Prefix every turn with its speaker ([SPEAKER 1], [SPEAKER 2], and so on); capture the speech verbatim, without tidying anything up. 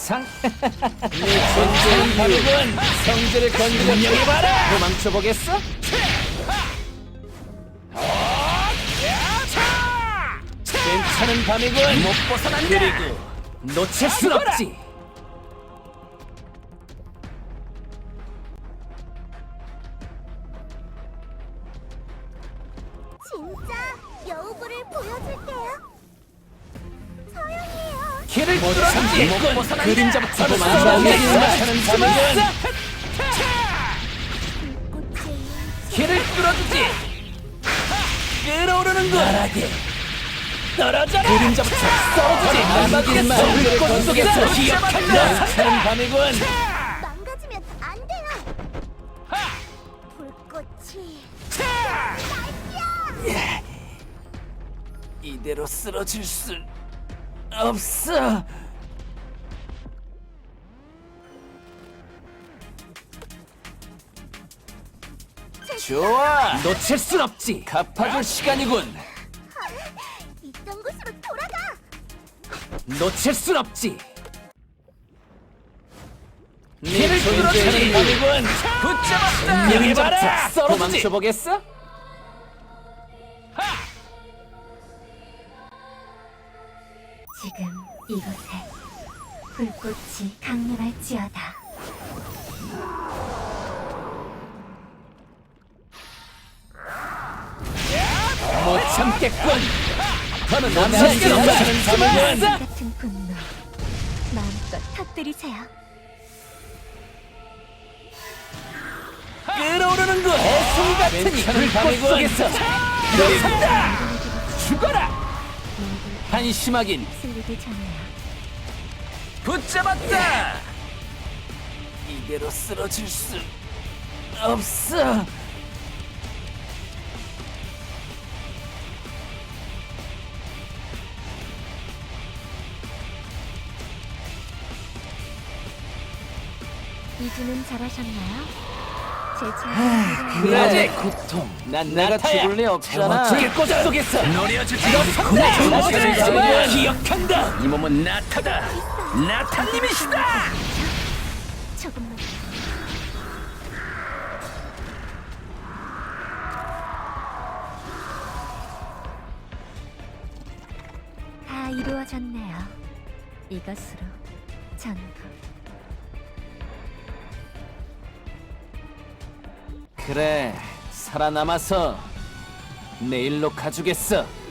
[SPEAKER 1] 보상. 네 존재는 바르군. 성질을 건드려 분명히 봐라. 도망쳐 보겠어? 괜찮은 밤이군. 못 벗어난다. 그리고 놓칠 순 없지.
[SPEAKER 2] 진짜 여우부를 보여줄게요. 서영이에요.
[SPEAKER 1] 길을 뚫어주지. 못 벗어난다. 그림자부터 도망쳐. 괜찮은 밤이군.
[SPEAKER 2] 꽃이
[SPEAKER 1] 길을 뚫어주지. 끌어오르는 거. 나라게 떨어져라. 그림자부터 썰어주지. 날막이겠어. 불꽃 속에서 기억한다. 괜찮은 밤이군.
[SPEAKER 2] 망가지면 안 돼요. 불꽃이 날뛰어.
[SPEAKER 1] 이대로 쓰러질 수 없어. 좋아. 놓칠 순 없지. 갚아줄 시간이군.
[SPEAKER 2] 있던 곳으로 돌아가.
[SPEAKER 1] 놓칠 순 없지. 길을 뚫어주는 밤이군. 붙잡았다. 분명히 봐라. 도망쳐 보겠어?
[SPEAKER 2] 지금 이곳에 불꽃이 강렬할지어다.
[SPEAKER 1] 못 참겠군. 더는 남자에게 넘치는 밤이군.
[SPEAKER 2] 같은 분노 마음껏 터뜨리세요.
[SPEAKER 1] 끌어오르는 거. 애송 같으니 불꽃 속에서 들어선다. 죽어라. 한심하긴.
[SPEAKER 2] 슬리기 전에요.
[SPEAKER 1] 붙잡았다. 이대로 쓰러질 수 없어.
[SPEAKER 2] 이주는 잘하셨나요? 제 차례.
[SPEAKER 1] 그래 고통. 난 내가 죽을 리 없잖아. 불꽃 속에서 노려주지. 들어선다. 기억한다. 이 몸은 나타다. 나타님이시다.
[SPEAKER 2] 조금만. 다 이루어졌네요. 이것으로 전부.
[SPEAKER 1] 그래 살아남아서 내일로 가주겠어.